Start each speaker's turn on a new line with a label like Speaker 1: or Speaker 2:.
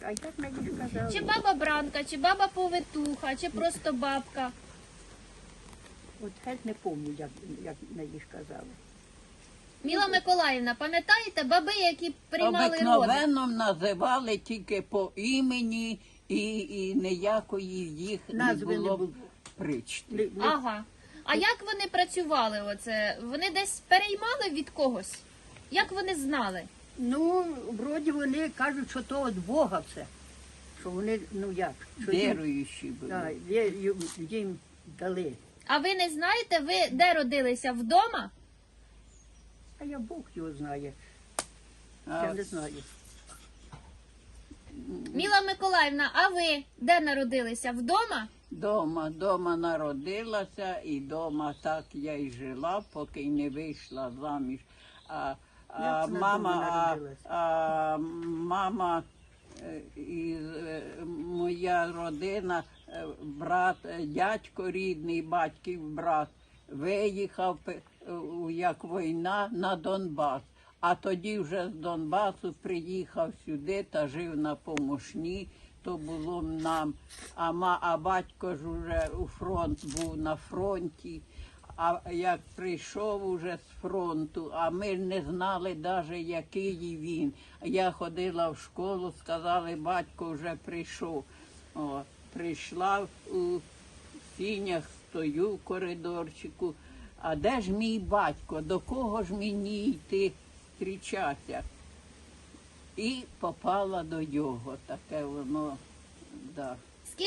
Speaker 1: А як мені ж казали?
Speaker 2: Чи баба Бранка, чи баба Повитуха, чи просто бабка?
Speaker 1: От геть не пам'ятаю, як мені ж казали.
Speaker 2: Міла Миколаївна, пам'ятаєте баби, які приймали роди?
Speaker 3: Обикновенно називали тільки по імені і ніякої їх
Speaker 1: Назви
Speaker 3: не
Speaker 1: не
Speaker 3: було
Speaker 1: було.
Speaker 3: причти.
Speaker 2: Ага. А як вони працювали оце? Вони десь переймали від когось? Як вони знали?
Speaker 1: Ну, вроді вони кажуть, що то від Бога все. Що вони, ну як? Що їм,
Speaker 3: Віруючі були.
Speaker 1: да, їм дали.
Speaker 2: А ви не знаєте, ви де родилися? Вдома?
Speaker 1: А я Бог його знає.
Speaker 3: А
Speaker 1: Я не знаю.
Speaker 2: Міла Миколаївна, а ви де народилися? Вдома?
Speaker 3: Дома народилася і дома так я й жила, поки не вийшла заміж. А
Speaker 1: Як вона дома народилась?
Speaker 3: мама і моя родина, брат, дядько рідний, батьків брат, виїхав, як війна, на Донбас. А тоді вже з Донбасу приїхав сюди та жив на Помошні. То було нам, а батько ж уже у фронт був на фронті. А як прийшов уже з фронту, а ми не знали навіть, який він. Я ходила в школу, сказали, батько вже прийшов. О, прийшла у сінях, стою в коридорчику. А де ж мій батько? До кого ж мені йти зустрічатися? І попала до нього, таке воно, да.